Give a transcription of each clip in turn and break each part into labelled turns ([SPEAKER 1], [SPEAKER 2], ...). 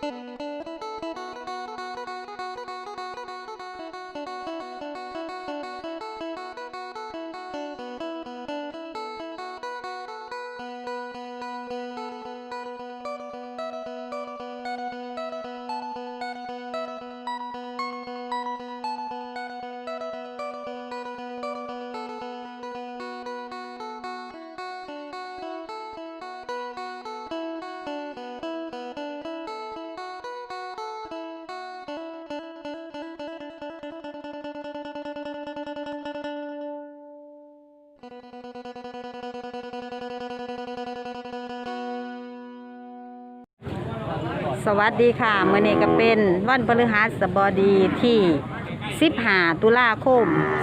[SPEAKER 1] สวัสดีค่ะมื้อนี้ก็เป็นวันพฤหัสบดีที่15ตุลาคม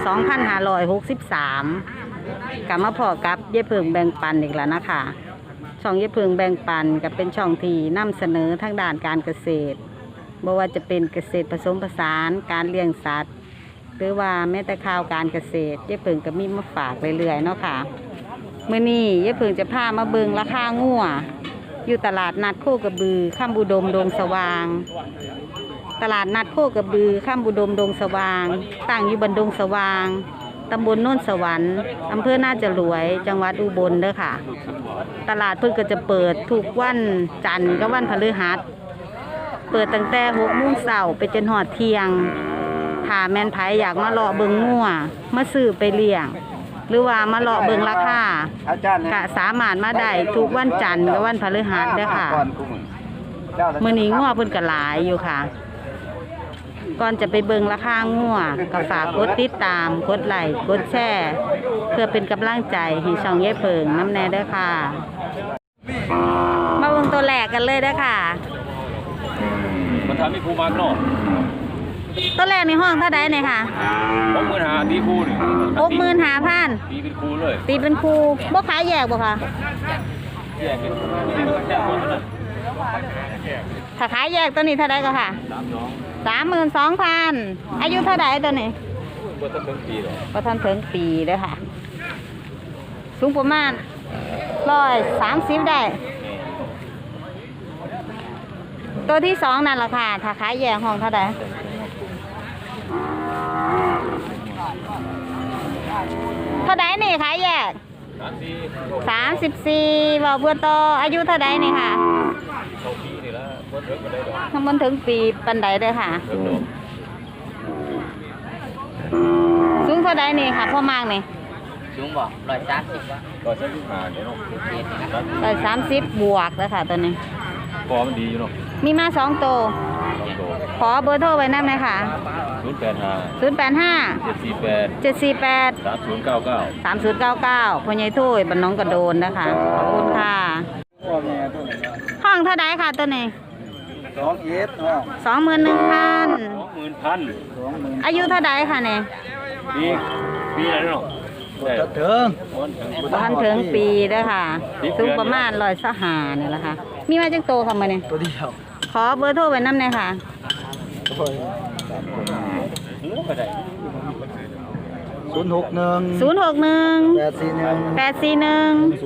[SPEAKER 1] 2563กลับมาพอกับเย่เพิงแบ่งปันอีกแล้วนะคะช่องเย่เพิงแบ่งปันก็เป็นช่องที่นำเสนอทางด้านการเกษตรบ่ว่าจะเป็นเกษตรผสมผสานการเลี้ยงสัตว์หรือว่าแม้แต่ข่าวการเกษตรเย่เพิงก็มีมาฝากเรื่อยๆเนาะค่ะมื้อนี้เย่เพิงจะพามาเบิ่งราคางัวอยู่ตลาดนัดโคกระบือข้ามบุดมดงสว่างตลาดนัดโคกระบือข้ามบุดมดงสว่างตั้งอยู่บนดงสว่างตำบลโน่นสวรรค์อำเภอน่าจะรวยจังหวัดอุบลเด้อค่ะตลาดเพิ่งก็จะเปิดทุกวันจันทร์กับวันพฤหัสเปิดตั้งแต่6 โมงเช้าไปจนหอดเที่ยงถ้าแม่นไผอยากมาเลาะเบิ่งงัวมาซื้อไปเลี้ยงหรือว่ามาเลาะเบิ่งราคาก็สามารถมาได้ทุกวันจันทร์กับวันพฤหัสเด้อค่ะมื้อนี้งัวเพิ่นก็หลายอยู่ค่ะก่อนจะไปเบิ่งราคางัวก็ฝากกดติดตามกดไลค์กดแชร์เพื่อเป็นกำลังใจให้ช่องเย่เพิงน้ำแน่เด้อค่ะมาเบิ่งตัวแรกกันเลยเด้อค่ะ
[SPEAKER 2] มันทำให้ครูมากเนาะ
[SPEAKER 1] ตัวแรกในห้องเท่าใดเนี่ยค่ะ
[SPEAKER 2] 65,000ตีครูนี่
[SPEAKER 1] 65,000
[SPEAKER 2] ตีเป็นครูเลย
[SPEAKER 1] ตีเป็นครูบ่ขายแยกบ่ค่ะ
[SPEAKER 2] แยกเป็น
[SPEAKER 1] ถ้าขายแยกตัวนี้เท่าใดก็ค่ะ32,000อายุเท่าใดตัวนี้
[SPEAKER 2] บ่ทันถึงปีหรอก
[SPEAKER 1] บ่ทันถึงปีเด้อค่ะสูงประมาณ130ได้ตัวที่2นั่นล่ะค่ะถ้าขายแยกห้องเท่าใดเท่าใดนี่ขายแยก34บ่เพื่อต่ออายุเท่าใดนี่ค่ะทั้งบนถึงปีปันใดเด้อค่ะสูงเท่าใดนี่ค่ะพ่อมากนี่
[SPEAKER 3] สูงบ่130ว่ะ
[SPEAKER 2] 135เดี๋ยวเนาะ
[SPEAKER 1] 130บวกแล้วค่ะตัวนี้
[SPEAKER 2] พอมันดีอยู่เนาะ
[SPEAKER 1] มีมา2ตัวขอเบอร์โทรไว้นำหน่อยค่ะ085 748 3099พ่อใหญ่ถ้วยบ้านน้องกระโดนนะคะขอบคุณค่ะห้องเท่าใดค่ะตัวนี้21,000อายุเท่าใดค่ะเนี่ย
[SPEAKER 2] ปีอะไรเนาะ
[SPEAKER 1] ทันถึงปีเด้อค่ะสูงประมาณ125นี่แหละค่ะมีมาจังโตทำมาเนี่ย
[SPEAKER 3] ตัวเดียว
[SPEAKER 1] ขอเบอร์โทรไว้นำหน่อยค่ะ
[SPEAKER 3] 061
[SPEAKER 1] 841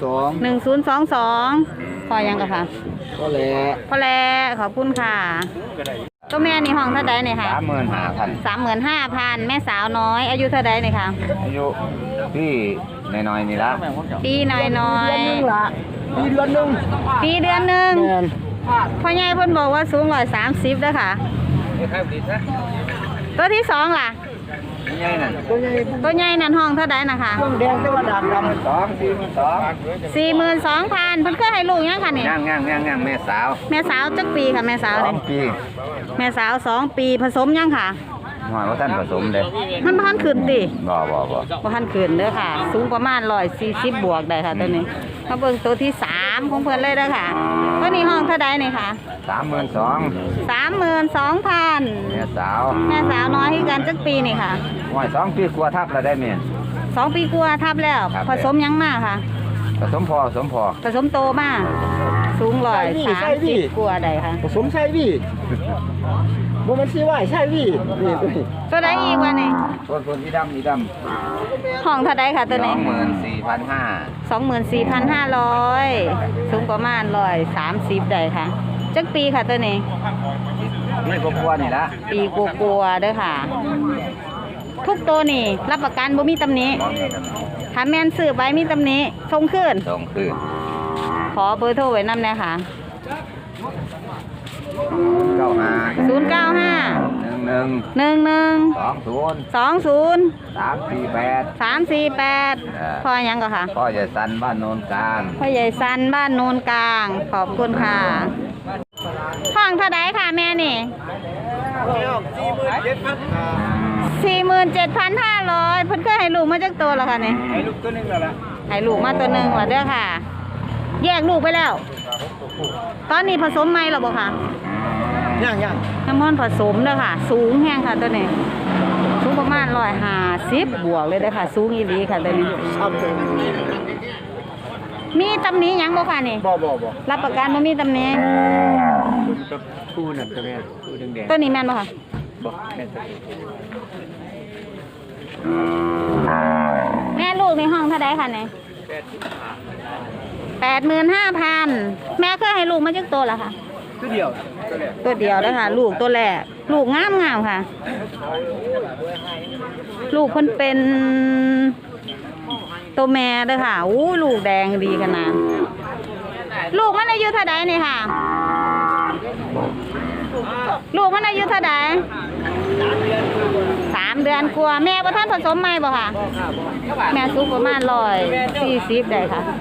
[SPEAKER 1] 1022พอยังกันค่ะ
[SPEAKER 3] พอ
[SPEAKER 1] แล้วขอบคุณค่ะตัวแม่นี่ห้องเท่าใดเนี่ยค่ะ35,000แม่สาวน้อยอายุเท่าใดเนี่ยค่ะ
[SPEAKER 3] อายุพี่น้อยๆนี่ละ
[SPEAKER 1] ปีน้อย
[SPEAKER 3] ปีเดือนหนึ่ง
[SPEAKER 1] พ่อใหญ่เพิ่นบอกว่าสูง130เด้อค่ะตัวที่2ล่ะตัวใหญ่นั่นห้องเท่าใดนะคะ
[SPEAKER 3] แดงแต่ว่าดำ
[SPEAKER 1] 42,000เพิ่นเคยให้ลูกยังค่ะนี่
[SPEAKER 3] ย่างแม่
[SPEAKER 1] สาวจักปีค่ะแม่สาวนี่
[SPEAKER 3] 2 ปี
[SPEAKER 1] แม่สาว2 ปีผสมยังค่ะ
[SPEAKER 3] หอยว่าท่านผสมเด้
[SPEAKER 1] มันบ่ทันขึ้นติ
[SPEAKER 3] บ่
[SPEAKER 1] ทันขึ้นเด้อค่ะสูงประมาณ140บวกได้ค่ะตัวนี้มาเบิ่งตัวที่3ของเพิ่นเลยเด้อค่ะตัวนี้ห้องเท่าใดนี่ค่ะ32,000
[SPEAKER 3] แม่ส
[SPEAKER 1] าวน้อยคือกันจักปีนี่ค่ะ
[SPEAKER 3] 2 ปีกว่าทับแล้วได้แม่
[SPEAKER 1] 2 ปีกว่าทับแล้วผสมยังมาค่ะ
[SPEAKER 3] ผสม
[SPEAKER 1] โตมาสูง130กว่าได้ค่ะ
[SPEAKER 3] ผสมใช่พี่บ่มันสิว่าใช่พี่นี่
[SPEAKER 1] ตัวใดอีกวะนี่
[SPEAKER 3] ตัวสีดำ
[SPEAKER 1] ห้องเท่าใดค่ะตัวนี้
[SPEAKER 3] 24,500
[SPEAKER 1] สูงประมาณ130ได้ค่ะจักปีค่ะตัวนี้
[SPEAKER 3] นี่ก็กลัวนี่ละ
[SPEAKER 1] ปีกลัวๆเด้อค่ะ ทุกตัวนี่รับประกันบ่มีตำหนิถ้าแม่นซื้อไปมีตำหนิส่งคืน
[SPEAKER 3] ส่งคืน
[SPEAKER 1] ขอเบอร์โทรไว้นำแน่ค่ะ
[SPEAKER 3] 95
[SPEAKER 1] 095
[SPEAKER 3] 11
[SPEAKER 1] 11
[SPEAKER 3] 20
[SPEAKER 1] 20 348พอหยังก็ค่ะ
[SPEAKER 3] พ่อจะสันบ้านโนนกลาง
[SPEAKER 1] พ่อใหญ่สันบ้านโนนกลาง ขอบคุณค่ะห้องเท่าไดค่ะแม่นี่ 47,500เพิ่นเคยให้ลูกมาจากตัวแล้วค่ะนี่
[SPEAKER 3] ให้ลูกตัวนึงแล้วล่ะ
[SPEAKER 1] ให้ลูกมาตัวหนึงว่าเด้อค่ะ แยกลูกไปแล้ว ตอนนี้ผสมไหมหรอบ่ค่ะ
[SPEAKER 3] ยัง
[SPEAKER 1] น้ำมันผสมเด้อค่ะ สูงแห้งค่ะตัวนี้สูงประมาณ150บวกเลยเด้อค่ะ สูงอีหลีค่ะตัวนี้
[SPEAKER 3] ซ้ำเลย
[SPEAKER 1] มีตำหนิหยังบ่ค่ะนี่
[SPEAKER 3] บ่
[SPEAKER 1] รับประกันบ่มีตำหนิ
[SPEAKER 3] คู่นั่นตัวแม่คู่แดง
[SPEAKER 1] ตัวนี้แม่นบ่ค่ะ
[SPEAKER 3] ๆบ่แม่นตัวนี้
[SPEAKER 1] แม่ลูกในห้องเท่าไดค่ะนี่85,000แม่เคยให้ลูกมาจักตัวแล้วค่ะ
[SPEAKER 3] ตัวเดียว
[SPEAKER 1] ตัวเดียวแล้วค่ะ ลูกตัวแรกลูกงามค่ะ ลูกเพิ่นเป็นตัวแม่เด้อค่ะอู้ลูกแดงดีขนาดลูกมันอายุเท่าใดนี่ค่ะ ลูกมันอายุเท่าใด3 เดือนกว่าแม่บ่ทันผสมใหม่บ่ค่ะ แม่สูงประมาณ140ได้ค่ะ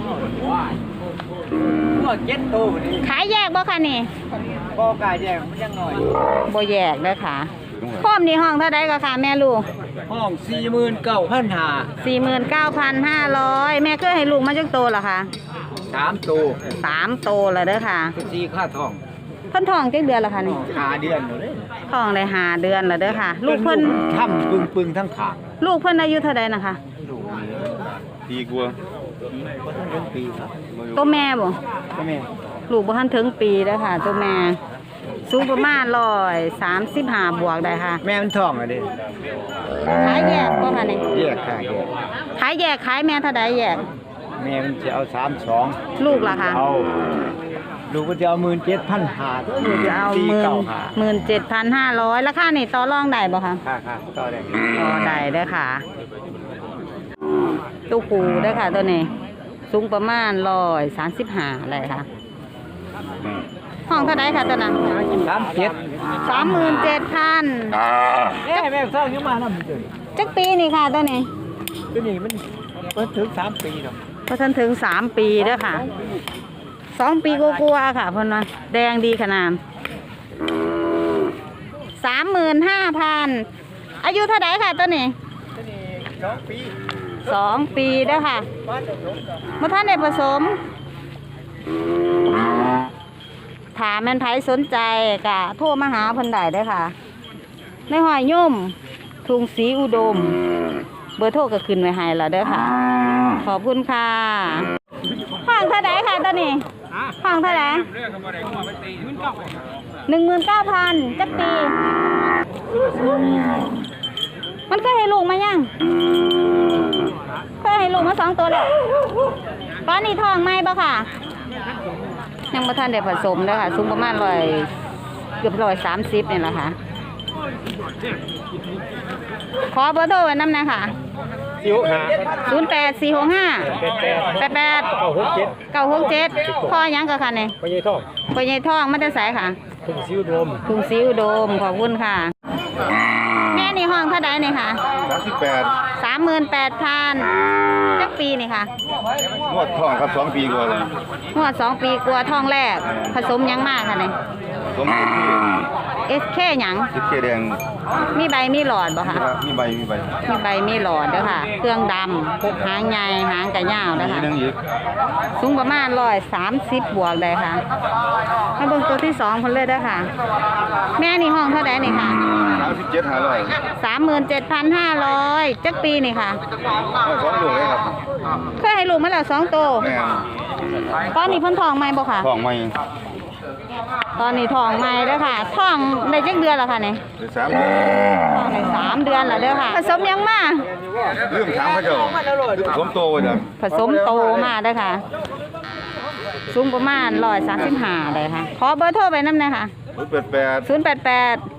[SPEAKER 3] พวก7โตนี่
[SPEAKER 1] ขายแยกบ่ค่ะนี่
[SPEAKER 3] บ่กายแดงมันยังน้อย
[SPEAKER 1] บ่แยกเด้อค่ะพร้อมนี่ห้องเท่าใดก็ค่ะแม่ลูก
[SPEAKER 3] ห้อง 49,500
[SPEAKER 1] 49,500แม่เคยให้ลูกมาจักโตเหรอคะ
[SPEAKER 3] 3โต
[SPEAKER 1] 3 โตแล้วเด้อค่ะ
[SPEAKER 3] 4ค่าทอง
[SPEAKER 1] เพิ่นท้องจักเดือนแล้วค่ะนี่
[SPEAKER 3] 5เดือนเลย
[SPEAKER 1] ท้องได้5 เดือนแล้วเด้อค่ะ ลูกเพิ่น
[SPEAKER 3] ทำปึงทั้งขา
[SPEAKER 1] ลูกเพิ่นอายุเท่าใดนะคะ
[SPEAKER 3] ลูกนี่
[SPEAKER 2] ปีกว่า
[SPEAKER 3] บ่ทันถึงปีครับ
[SPEAKER 1] ตัวแม่บ่
[SPEAKER 3] ก็แม่
[SPEAKER 1] ลูกบ่ทันถึงปีเด้อค่ะ ตัวแม่สูงประมาณ135บวกได้ค่ะ
[SPEAKER 3] แม่มันท้องอ่ะเด้
[SPEAKER 1] ขายแยกบ่ค่ะนี่
[SPEAKER 3] แยกค่ะแยก
[SPEAKER 1] ขายแยกขายแม่เท่าใดแยก
[SPEAKER 3] แม่มันจะเอา32
[SPEAKER 1] ลูกล่ะคะ
[SPEAKER 3] เอาลูกก็จะเอา17,500
[SPEAKER 1] ลูกจะเอา17,500ราคานี่ต่อรองได้บ่คะ
[SPEAKER 3] ค่ะต่อได้
[SPEAKER 1] ต่อได้เด้อค่ะตู้ปูเด้อค่ะตัวนี้สูงประมาณ135อะไรค่ะห้องเท่าไดค่ะตัวนั้น
[SPEAKER 3] 37
[SPEAKER 1] 37,000
[SPEAKER 3] แม่ท้องยังมานำตัว
[SPEAKER 1] จักปีนี่ค่ะตัวนี้
[SPEAKER 3] ตัวนี้มันถึง3ปีเนาะ
[SPEAKER 1] พอทันถึง3 ปีเด้อค่ะ2 ปีกลัวาๆค่ะเพิ่นว่าแดงดีขนาด35,000อายุเท่าไดค่ะตัวนี้
[SPEAKER 3] ตัวนี้2ปี
[SPEAKER 1] 2 ปีเด้อค่ะ
[SPEAKER 3] บ้านผสมกับ
[SPEAKER 1] บ่ทันได้ผสมถ้าแม่นไผสนใจก็โทรมาหาเพิ่นได้เด้อค่ะ ในหอยย่มทุ่งศรีอุดม เบอร์โทรก็ขึ้นไว้ให้แล้วเด้อค่ะ ขอบคุณค่ะห้องเท่าไดค่ะตัวนี้ห้องเท่าได19,000จักปี มันเคยให้ลูกมายังเคยให้ลูกมา2 ตัวแล้วตอนนี้ท้องไหมบ่ค่ะ ยังบ่ทันได้ผสมเด้อค่ะสูงประมาณเกือบ130นี่แหละค่ะ ขอเบอร์โทรไว้นำหน่อยค่ะ 08465 88 967พ่อหยังก็ค่ะนี่
[SPEAKER 3] ไปยัยท้อง
[SPEAKER 1] พ่อใหญ่ท้องมันจะใสค่ะ
[SPEAKER 3] ถึงซิวโดม
[SPEAKER 1] ถุงซิวโดมขอบคุณค่ะ แม่นี่ห้องเท่าใดนี่ค่ะ 38,000จักปีนี่ค่ะ
[SPEAKER 2] งวดท้องครับ2 ปีกว่าเลย
[SPEAKER 1] งวด2 ปีกลัวท้องแรก ผสมหยังมากค่ะนี่
[SPEAKER 2] สมบูรณ์ที่
[SPEAKER 1] SK หยัง
[SPEAKER 2] ติดเกแดง
[SPEAKER 1] มีใบมีหลอดบ่ค่ะ
[SPEAKER 2] มีใบ
[SPEAKER 1] มีใบมีหลอดเด้อค่ะ เครื่องดำพกหางใหญ่หางกะยาวเด้อ
[SPEAKER 2] มี
[SPEAKER 1] ค่ะ
[SPEAKER 2] นึงอีก
[SPEAKER 1] สูงประมาณ130บวกได้ค่ะมาเบิ่งตัวที่2คนเลยเด้อค่ะ แม่นี่ห้องเท่าใดนี่ค่ะ
[SPEAKER 2] 37,500
[SPEAKER 1] 37,500จักปีนี่ค่ะ
[SPEAKER 2] 2ลูกเลยครับ
[SPEAKER 1] เคยให้ลูกมาแล้ว2 ตัว
[SPEAKER 2] แม่
[SPEAKER 1] ตอนนี้เพิ่นท้องไหมบ่ค่ะ
[SPEAKER 2] ท้องใหม่
[SPEAKER 1] ตอนนี้ท้องใหม่เด้อค่ะท้องได้จักเดือนแล้วค่ะนี่
[SPEAKER 2] 3เดือน
[SPEAKER 1] ท้องได้3 เดือนแล้วเด้อค่ะ ผสมหยังมา
[SPEAKER 2] ลืมถามเขาเจ้าผมโตว่าจัง
[SPEAKER 1] ผสมโตมาเด้อค่ะสูงประมาณ135เลยค่ะขอเบอร์โทรไปนำหน่อยค่ะ
[SPEAKER 2] 088
[SPEAKER 1] 088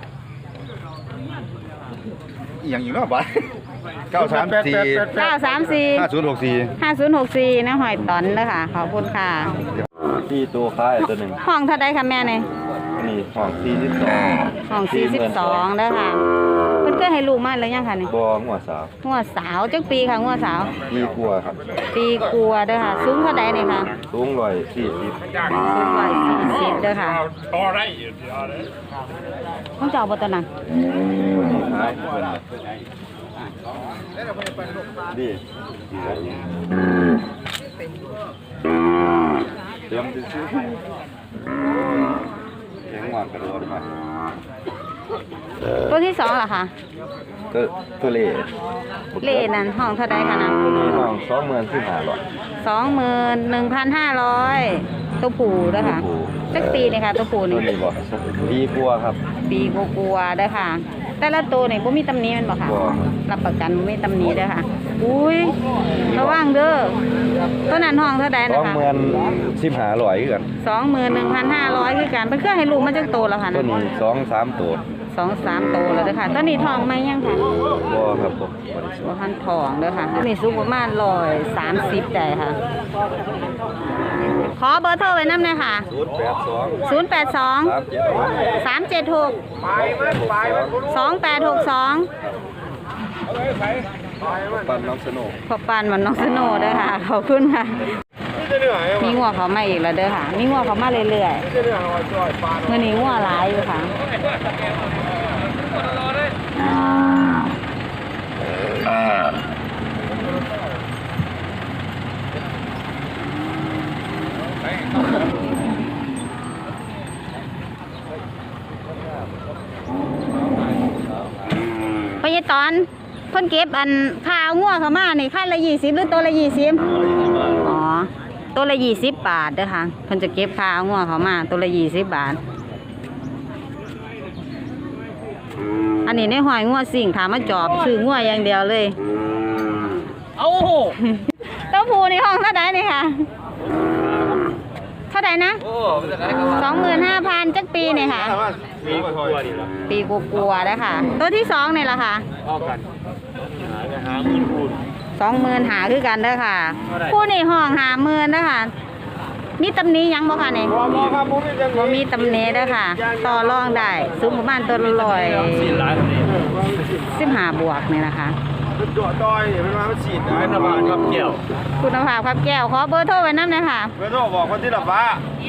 [SPEAKER 2] อีหยังอยู่เนาะบัด934
[SPEAKER 1] 934
[SPEAKER 2] 5064
[SPEAKER 1] 5064นะหอยตอนเด้อค่ะขอบคุณค่ะ
[SPEAKER 2] ที่ตัวคล้ายตัวหนึ่ง
[SPEAKER 1] ห้องเท่าใดคะแม่นี่
[SPEAKER 2] นี่ห้อง42
[SPEAKER 1] ห้อง42เด้อค่ะเพิ่นเคยให้ลูกมาแล้วยังค่ะนี่
[SPEAKER 2] บ่หัวสาว
[SPEAKER 1] งัวสาวจักปีค่ะงัวสาว
[SPEAKER 2] มีกลัวครับ
[SPEAKER 1] ปีกลัวเด้อค่ะสูงเท่าใดนี่ค่ะ
[SPEAKER 2] สูง140
[SPEAKER 1] สูง140เด้อค่ะต้องเจ้าบ่ตัวนั้น
[SPEAKER 2] คล้ายเพิ่นดีเตรียมซื้อเลี้ยงหวานกระโดดมา
[SPEAKER 1] ตัวที่2ล่ะค่ะ
[SPEAKER 2] ตัวเล่
[SPEAKER 1] เลนั่นห้องเท่าใดค่ะนะ
[SPEAKER 2] ตัวนี้ห้อง
[SPEAKER 1] 21,500ตัวผู้เด้อค่ะจักปีนี่ค่ะตัวผู้
[SPEAKER 2] ตั
[SPEAKER 1] นี่
[SPEAKER 2] วนี้บ่ปีกลัวครับ
[SPEAKER 1] ปีกลัวๆเด้อค่ะ แต่ละตัวนี่บ่มีตำหนิแม่นบ่ค่ะ
[SPEAKER 2] บ่
[SPEAKER 1] รับประกันบ่มีตำหนิเด้อค่ะ อุ้ยระวังเด้อตัวนั้นห้องเท่าใดนะคะ
[SPEAKER 2] 15,500คือกัน
[SPEAKER 1] 21,500คือกันเพิ่นเคยให้ลูกมาจักโตแล้วค่ะ
[SPEAKER 2] ตัว
[SPEAKER 1] นะ
[SPEAKER 2] นี้2-3ตัว
[SPEAKER 1] 2-3 โตแล้วเด้อค่ะตัวนี้ทองไหมยังค่ะ
[SPEAKER 2] บ่ครับผม
[SPEAKER 1] บ่ทันทองเด้อค่ะตัวนี้สูงประมาณ130ได้ค่ะ ขอเบอร์โทรไว้นำหน่อยค่ะ 082 376 2862
[SPEAKER 2] ปันน้องสนุก
[SPEAKER 1] พอปานมันน้องสโนว์เด้อค่ะขอบคุณค่ะ มีงัวเขามาอีกแล้วเด้อค่ะ มีงัวเขามาเรื่อยๆมื้อนี้งัวหลายอยู่ค่ะพยตอนเพิ่นเก็บอันข้าวงัวเขามานี่คันละ20หรือตัวละ20อ๋อตัวละ20 บาทเด้อค่ะเพิ่นจะเก็บข้าวงัวเขามาตัวละ20 บาท อันนี้ในหอยงัวสิ่งถามมาจอบซื้องัวอย่างเดียวเลย
[SPEAKER 3] เอา
[SPEAKER 1] เต้าผูนี่ห้องเท่าไหร่นี่ค่ะเท่าไหร่นะ 25,000จักปีนี่ค่ะ
[SPEAKER 2] มีกลัวดิล่ะ
[SPEAKER 1] ปีกลัวๆนะคะตัวที่2นี่ล่ะค่ะ
[SPEAKER 2] เอากันหาเงินคูณ
[SPEAKER 1] 20,000หาคือกันเด้อค่ะผู้นี่ห้อง50,000เด้อค่ะมีตำหนิหยังบ่ค่ะนี่
[SPEAKER 3] บ่ครับบ่มีจัง
[SPEAKER 1] บ่มีตำหนิเด้อค่ะ ต่อรองได้สูงประมาณตัวละ15บวกนี่นะคะ
[SPEAKER 3] จ่อต้อยเป็นว่ามันฉีดเป็นบาทครับเกี่ยว
[SPEAKER 1] คุณภาพครับแก้วขอเบอร์โทรไว้นำหน่อยค่ะ
[SPEAKER 3] เบอร์โทรบอกคนที่ละฟ้า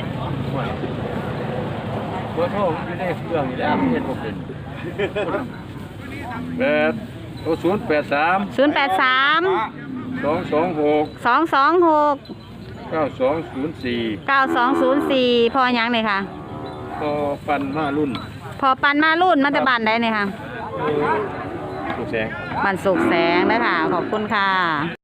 [SPEAKER 4] เบอร์โทรมันอยู่ในเครื่องอยู่แล้วเฮ็ดบ่เป็น083
[SPEAKER 1] 083
[SPEAKER 4] 226
[SPEAKER 1] 226
[SPEAKER 4] 9204
[SPEAKER 1] พอหยังนี่ค่ะ
[SPEAKER 4] พอปันมารุ่น
[SPEAKER 1] พอปันมารุ่นมาแต่บ้านใดนี่ค่ะ
[SPEAKER 4] สุกแสง
[SPEAKER 1] บ้านสุกแสงนะคะขอบคุณค่ะ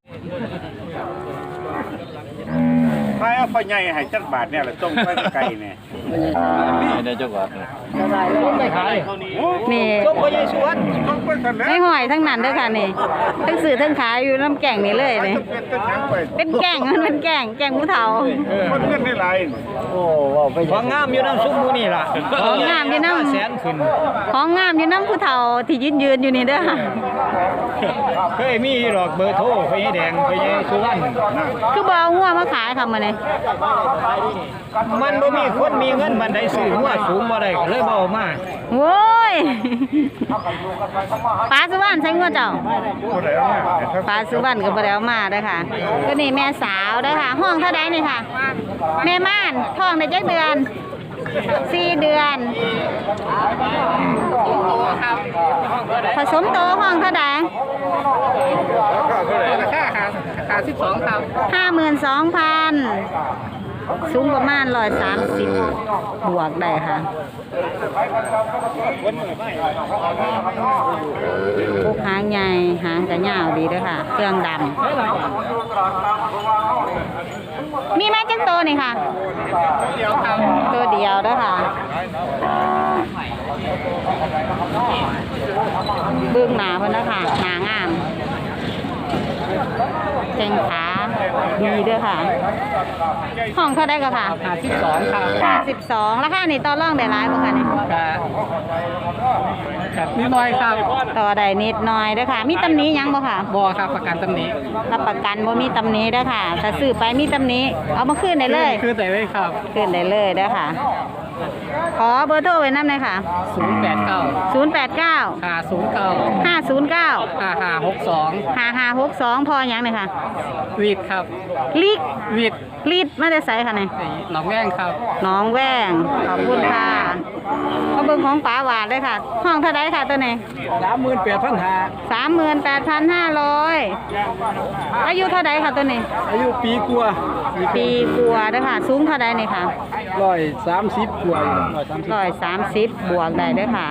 [SPEAKER 3] ใครเอาไปใหญ่ให้จักบาทเนี่ยแหละต้องไปไกลเนี่ย
[SPEAKER 4] ในจังหวัดนี่
[SPEAKER 3] ต้องไปขาย
[SPEAKER 1] นี่
[SPEAKER 3] ต้องไปใหญ่สวนต้องไปกันแล้ว
[SPEAKER 1] ไม่หอยทั้งนั้นเด้วยค่ะนี่ทั้งสื่อทั้งขายอยู่น้ำแก่งนี่เลยนี่
[SPEAKER 3] เป็นต้นทางไป
[SPEAKER 1] เป็นแก่งมันเป็นแก่งผู้เฒ่า
[SPEAKER 3] มันเงินได้หลายโอ้ว้าวไปของงามอยู่น้ำซุปมูนี่ล่ะ
[SPEAKER 1] ของงามอยู่น้ำ
[SPEAKER 3] แสนขึ้น
[SPEAKER 1] ของงามอยู่น้ำผู้เฒ่าที่ยืนอยู่นี่เด้อค่ะ
[SPEAKER 3] เคยมีหรอกเบอร์โทรไปให้แดงไปให้สุวรรณ
[SPEAKER 1] คือบ่เอางัวมาขายค่ะมื้อนี้
[SPEAKER 3] มันบ่มีคนมีเงินมันได้ซื้อหัวสูงบ่ได้ก็เลยบ่เอามา
[SPEAKER 1] โว้ยปลาสุวรรณใช้งัวเจ้า
[SPEAKER 3] บ่ได้เอามา
[SPEAKER 1] ปลาสุวรรณก็บ่ได้เอามาเด้อค่ะก็นี่แม่สาวเด้อค่ะ ห้องเท่าใดนี่ค่ะ แม่ม่านท้องได้จักเดือน4 เดือน ผสมโตห้องเท่าใด
[SPEAKER 3] ค่า12ครับ
[SPEAKER 1] 52,000สูงประมาณ130บวกได้ค่ะพวกหางใหญ่หางกระยาวดีด้วยค่ะ เครื่องดำมีไหมจังโตนี่ค่ะ ตัวเดียวด้วยค่ะเบื้องหนาเพิ่นนะคะหนางามแข้งขาดีเด้อค่ะห้องเท่าได้ก็ค่ะ
[SPEAKER 3] 52ครับ
[SPEAKER 1] 52ราคานี่ต่อรองได้หลายบ่คะนี่
[SPEAKER 3] ครับนิดหน่อยครับ
[SPEAKER 1] ต่อได้นิดหน่อยเด้อค่ะมีตำหนิหยังบ่ค่ะ
[SPEAKER 3] บ่ครับประกันตำหนิ
[SPEAKER 1] รับประกันบ่มีตำหนิเด้อค่ะถ้าซื้อไปมีตำหนิเอามาคืนได้เลย
[SPEAKER 3] คือแต่ไว้ครับ
[SPEAKER 1] คืนได้เลยเด้อค่ะขอเบอร์โทรไว้นำหน่อยค่ะ
[SPEAKER 3] 089
[SPEAKER 1] 089
[SPEAKER 3] 509
[SPEAKER 1] 509
[SPEAKER 3] 5562
[SPEAKER 1] 5562พอหยังนี่ค่ะ
[SPEAKER 3] วีดครับ
[SPEAKER 1] ลิก
[SPEAKER 3] วีด
[SPEAKER 1] ลีดมาแต่ไสค่ะนี่
[SPEAKER 3] หนองแว่งครับ
[SPEAKER 1] น้องแว้งขอบคุณค่ะมาเบิ่งของป๋าหวานเลยค่ะ ห้องเท่าไดค่ะตัวนี้
[SPEAKER 3] 38,500
[SPEAKER 1] 38,500อายุเท่าไดค่ะตัวนี้
[SPEAKER 3] อายุปีกว่า
[SPEAKER 1] ปีกว่าเด้อค่ะ สูงเท่าไดนี่ค่ะ
[SPEAKER 3] 130กว่า
[SPEAKER 1] 130บวกได้เด้อค่ะ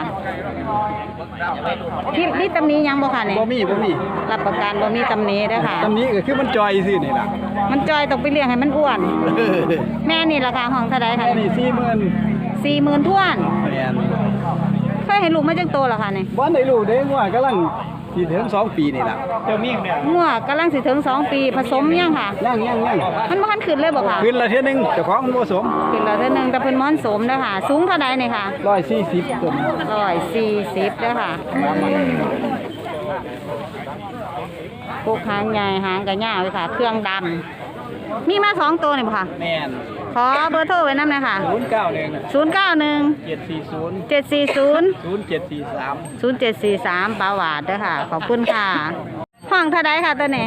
[SPEAKER 1] นี่ตำหนี้ยังบ่ค่ะนี่
[SPEAKER 3] บ่มี
[SPEAKER 1] รับประกันบ่มีตำหนี้เด้อค่ะ
[SPEAKER 3] ตำหนิก็คือมันจอยซื่อนี่ล่ะ
[SPEAKER 1] มันจอยต้องไปเลี้ยงให้มันอ้วน แม่นี่ราคาห้องเท่าไดค่ะ
[SPEAKER 3] แค่นี้40,000
[SPEAKER 1] 40,000ท้วน
[SPEAKER 3] แม่น
[SPEAKER 1] เคยให้ลูกมาจังโตแล้วค่ะนี่
[SPEAKER 3] บ่ได้รู้เด้ว่ากำลังสิถึง2 ปีนี่ล่ะเจ้ามีเนี่ย
[SPEAKER 1] งัวกำลังสิถึง2 ปีผสมยังค่ะ
[SPEAKER 3] ยัง
[SPEAKER 1] มันบ่ทันขึ้นเลยบ่ค่ะ
[SPEAKER 3] ขึ้นละเที่ยนึงเจ้าของมันบ่สม
[SPEAKER 1] ขึ้นแล้วเท่านึงแต่เพิ่นม้อนสมเด้อค่ะ สูงเท่าใดนี่ค่ะ
[SPEAKER 3] 140ต้น
[SPEAKER 1] 140เด้อค่ะพวกหางใหญ่หางก็ยาวเลยค่ะ เครื่องดำมีมา2ตัวนี่บ่ค่ะ
[SPEAKER 3] แม่น
[SPEAKER 1] ขอเบอร์โทรไว้นำหน่อยค่ะ
[SPEAKER 3] 091
[SPEAKER 1] 091 740
[SPEAKER 3] 0743
[SPEAKER 1] 0743ปาวาดเด้อค่ะ ขอบคุณค่ะ ห้องเท่าใดค่ะตัวนี้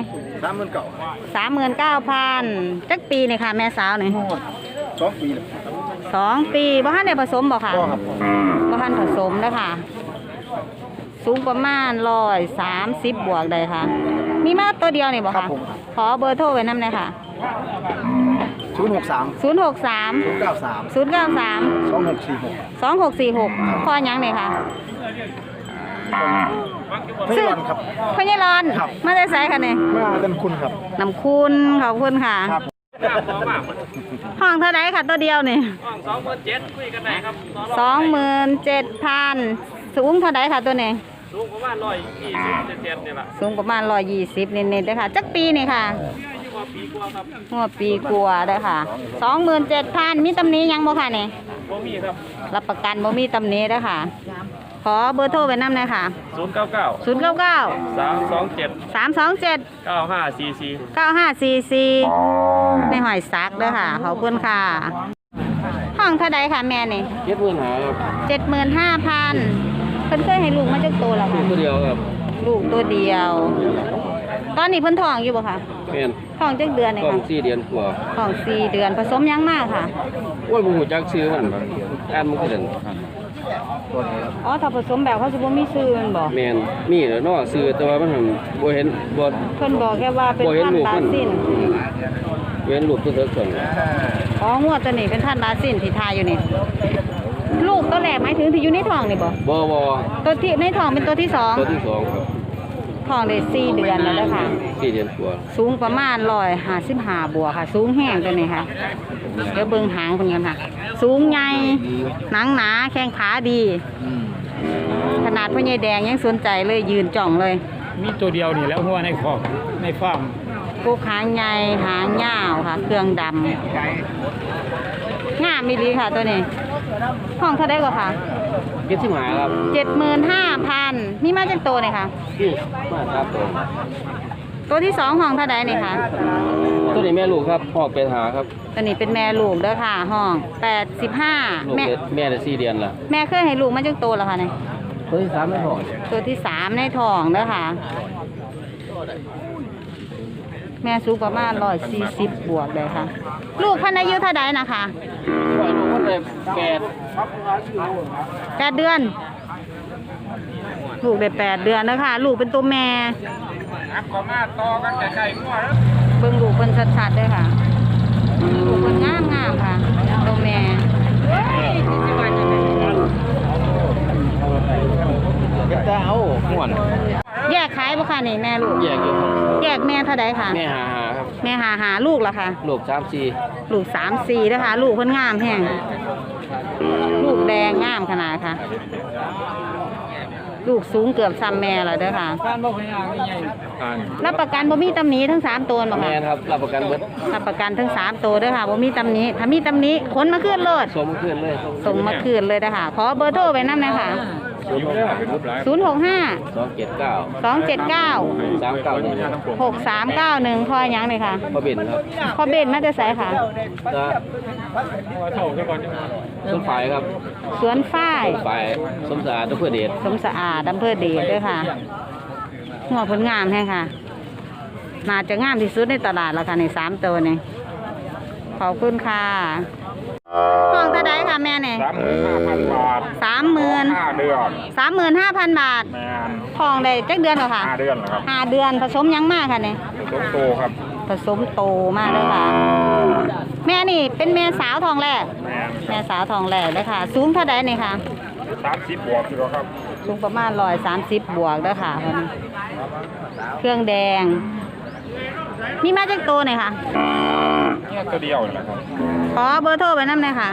[SPEAKER 1] 39,000จักปีนี่ค่ะ แม่สาวนี่
[SPEAKER 2] 2 ปีแล้ว
[SPEAKER 1] 2 ปีบ่ทันได้ผสมบ่ค่ะ
[SPEAKER 2] บ่ครับ
[SPEAKER 1] บ่ทันผสมเด้อค่ะ สูงประมาณ130บวกได้ค่ะ มีมาตัวเดียวนี่บ่
[SPEAKER 2] ครั
[SPEAKER 1] ค่ะ
[SPEAKER 2] บผม
[SPEAKER 1] ขอเบอร์โทรไว้นำหน่อยค่ะ
[SPEAKER 2] 063
[SPEAKER 1] 063
[SPEAKER 2] 093
[SPEAKER 1] 093
[SPEAKER 2] 2646
[SPEAKER 1] 2646พ่อหยังนี่ค่ะ
[SPEAKER 2] ไม่รอนครับ
[SPEAKER 1] พ่อใหญ่รอน
[SPEAKER 2] ครับ
[SPEAKER 1] มาได้ไสค่ะนี่
[SPEAKER 2] มาเต็มคุณครับ
[SPEAKER 1] น้ำคุณขอบคุณค่ะ
[SPEAKER 2] ครับ
[SPEAKER 1] ห้องเท่าไดค่ะตัวเดียวนี่
[SPEAKER 3] 27,000คุยกันได้ครับ
[SPEAKER 1] 27,000สูงเท่าไดค่ะตัวนี้
[SPEAKER 3] สูงประมาณ120เซนนี่ล่ะ
[SPEAKER 1] สูงประมาณ120เน็ตๆเด้อค่ะจักปีนี่ค่ะ
[SPEAKER 3] อยู่ว่าปีกว่าครับ
[SPEAKER 1] หัวปีกว่าเด้อค่ะ 27,000มีตำหนิหยังบ่ค่ะนี่
[SPEAKER 3] บ่มีครับ
[SPEAKER 1] รับประกันบ่มีตำหนิเด้อค่ะ ขอเบอร์โทรไว้นำหน่อยค่ะ
[SPEAKER 3] 099
[SPEAKER 1] 099
[SPEAKER 3] 327
[SPEAKER 1] 327
[SPEAKER 3] 9544
[SPEAKER 1] 9544ในหอยซักเด้อค่ะ ขอบคุณค่ะ ห้องเท่าใดค่ะแม่นี่ 75,000เพิ่นเคยให้ลูกมาจักโตแล้วค่ะ
[SPEAKER 4] ตัวเดียวครับ
[SPEAKER 1] ลูกตัวเดียว ตอนนี้เพิ่นท้องอยู่บ่คะ
[SPEAKER 4] แม่น
[SPEAKER 1] ท้องจักเดือนนี่
[SPEAKER 4] ต้อง
[SPEAKER 1] ค่ะ
[SPEAKER 4] 4 เดือนกว่า
[SPEAKER 1] ท้อง4 เดือนผสมยังมากค่ะ
[SPEAKER 4] โอ้ยบ่ฮู้จักชื่อมันครับอ่านบ่คือกัน
[SPEAKER 1] อ๋อถ้าผสมแบบเขาสิบ่มีชื่อแมันบ่
[SPEAKER 4] แม่นมีแหล้วเนาะชื่อแต่ว่ามันหั่นบ่เห็นบ่
[SPEAKER 1] เพิ่นบอกแค่ว่าเป็น
[SPEAKER 4] บ่เห็น
[SPEAKER 1] พัน
[SPEAKER 4] ลูก
[SPEAKER 1] ธุ์บา
[SPEAKER 4] มัน
[SPEAKER 1] ซิน
[SPEAKER 4] เห็นรูปตัวเถิกก่อน
[SPEAKER 1] อ๋องวดตัวนี้เป็นพันธุ์บาซินที่ทายอยู่นี่ ลูกตัวแรกหมายถึงที่อยู่ในท้องนี่บ่
[SPEAKER 4] บ่
[SPEAKER 1] ตัวที่ในท้องเป็นตัวที่สอง
[SPEAKER 4] ตัวที่2ครับ
[SPEAKER 1] ท้องได้4 เดือนแล้วเด้อค่ะ
[SPEAKER 4] 4 เดือนกว่า
[SPEAKER 1] สูงประมาณ155บวกค่ะ สูงแห้งตัวนี้ค่ะ เดี๋ยวเบิ่งหางเพิ่นกันค่ะ สูงใหญ่หนังหนาแข้งขาดี ขนาดพ่อใหญ่แดงยังสนใจเลยยืนจ่องเลย
[SPEAKER 3] มีตัวเดียวนี่แล้วหัวในคอกในฟาร์ม
[SPEAKER 1] กูหางใหญ่หางยาวค่ะ เครื่องดำงามมีดีค่ะตัวนี้ ห้องเท่าได้กว่าค่ะ
[SPEAKER 4] 75ครับ
[SPEAKER 1] 75,000นี่มาจากตัวนี่ค่ะ
[SPEAKER 4] นี่มาครับตัว
[SPEAKER 1] ตัวที่สองห้องเท่าใดนี่ค่ะ
[SPEAKER 4] ตัวนี้แม่ลูกครับพ่อเป็นหาครับ
[SPEAKER 1] ตัวนี้เป็นแม่ลูกเด้อค่ะ ห้อง
[SPEAKER 4] ลูก
[SPEAKER 1] 85แม่
[SPEAKER 4] แม่ได้4 เดือนละ
[SPEAKER 1] แม่เคยให้ลูกมาจากตัวแล้วค่ะนี่
[SPEAKER 4] ตัวที่3ไม่พอ
[SPEAKER 1] ตัวที่3ในท้องเด้อค่ะ แม่สูงประมาณ140บวกเลยค่ะ ลูกพันอายุเท่าใดนะคะ
[SPEAKER 4] ปล่อยลูกมันได้
[SPEAKER 1] 8 เดือน ลูกได้8 เดือนแล้วค่ะ ลูกเป็นตัวแม่เบิ่งลูกเป็นชัดๆเลยค่ะ ลูกเป็นงามๆค่ะ ตัวแม่
[SPEAKER 4] เป็นตาเอาม่วน
[SPEAKER 1] แยกขายบ่ค่ะนี่แม่ลูก
[SPEAKER 4] แยกอยู่ครับ
[SPEAKER 1] แยกแม่เท่าใดค่ะ
[SPEAKER 4] แม่หาครับ
[SPEAKER 1] แม่หาลูกละค่ะ
[SPEAKER 4] ลูก3-4
[SPEAKER 1] ลูก3-4เด้อค่ะ ลูกเพิ่นงามแฮงลูกแดงงามขนาดค่ะลูกสูงเกือบซ้ำแม่แล้วเด้อค่ะ
[SPEAKER 3] การบ่พยายามใหญ่
[SPEAKER 1] รับประกันบ่มีตำหนิทั้ง3ตัวบ่
[SPEAKER 4] แม่
[SPEAKER 1] ค่ะ
[SPEAKER 4] นครับรับประกันเบิด
[SPEAKER 1] รับประกันทั้ง3ตัวเด้อค่ะบ่มีตำหนิถ้ามีตำหนิขนมาคืนโลด
[SPEAKER 4] สมขึ้นเลย
[SPEAKER 1] ส่งมาคืนเลยเด้อค่ะขอเบอร์โทรไว้นำหน่อยค่ะ065
[SPEAKER 4] 279
[SPEAKER 1] 279
[SPEAKER 4] 391
[SPEAKER 1] 6391พอหยังเลยค่ะ
[SPEAKER 4] พ่อเบนครับ
[SPEAKER 1] พอเบนมาแต่ไสค่ะ
[SPEAKER 4] จะต้นฝ่ายครับ
[SPEAKER 1] สวนฝ้าย
[SPEAKER 4] ฝ่ายสมสะอาดอำเภอเดช
[SPEAKER 1] สมสะอาดอำเภอเดชเด้อค่ะหัวผลงามแห้งค่ะน่าจะงามที่สุดในตลาดแล้วค่ะใน3ตัวนี่ขอบคุณค่ะห้องเท่าใดค่ะแม่เนี่ย
[SPEAKER 2] 35,000 บาท
[SPEAKER 1] 30,000
[SPEAKER 2] 5 เดือน
[SPEAKER 1] 35,000 บาท
[SPEAKER 2] แมน
[SPEAKER 1] ทองได้จักเดือนเหรอค่ะ
[SPEAKER 2] 5 เดือนแล้วครับ
[SPEAKER 1] 5 เดือนผสมหยังมากค่ะเนี่ย
[SPEAKER 2] ต้นโตครับ
[SPEAKER 1] ผสมโตมากเลยค่ะ แม่นี่เป็นแม่สาวทองแรก
[SPEAKER 2] แมน
[SPEAKER 1] แม่สาวทองแรกเลยค่ะ สูงเท่าใดนี่ค่ะ
[SPEAKER 2] 30 บวกอยู่แล้วครับ
[SPEAKER 1] สูงประมาณ130 บวกเด้อค่ะคนนี้เครื่องแดง มีมาจากตัวหน่อยค่ะ
[SPEAKER 2] นี่ตัวเดียวนี่แหละครับ
[SPEAKER 1] ขอเบอร์โทรไปน้ำหน่อยค่ะ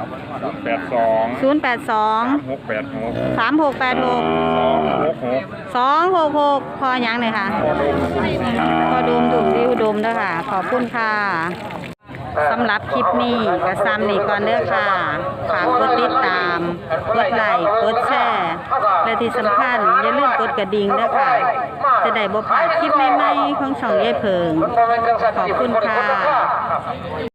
[SPEAKER 2] 82
[SPEAKER 1] 082
[SPEAKER 2] 3686
[SPEAKER 1] 3686 266พอหยังเลยค่ะพอดูมถูกดิวดมเด้อค่ะ ขอบคุณค่ะสำหรับคลิปนี้ก็ซ้ำนี่ก่อนเด้อค่ะฝากกดติดตาม กดไลค์กดแชร์และที่สำคัญอย่าลืมกดกระดิ่งเด้อค่ะ จะได้บ่พลาดคลิปใหม่ๆของช่องยายเพิง ขอบคุณค่ะ